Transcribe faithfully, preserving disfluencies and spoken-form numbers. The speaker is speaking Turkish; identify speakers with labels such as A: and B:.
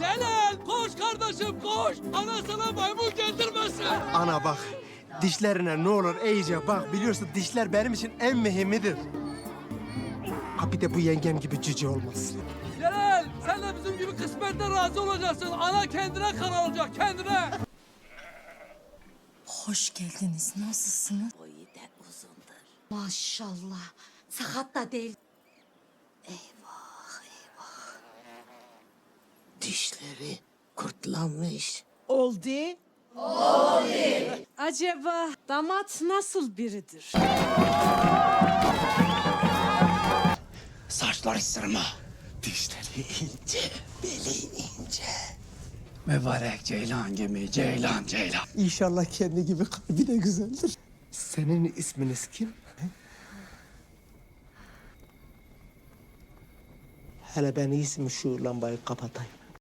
A: Celal koş kardeşim koş. Ana sana maymun getirmesin.
B: Ana bak, dişlerine ne olur iyice bak. Biliyorsun dişler benim için en mühimidir. Ha bir de bu yengem gibi cüce olmasın.
A: Celal sen de bizim gibi kısmetle razı olacaksın. Ana kendine karar olacak kendine.
C: Hoş geldiniz. Nasılsınız?
D: Boyu da uzundur.
C: Maşallah. Sakat da değil.
D: Dişleri kurtlanmış.
C: Oldu. Acaba damat nasıl biridir?
D: Saçları sırma. Dişleri ince, beli ince.
A: Mübarek ceylan gibi ceylan ceylan.
B: İnşallah kendi gibi kalbi de güzeldir. Senin isminiz kim? he? Hele ben iyisi mi şu lambayı kapatayım.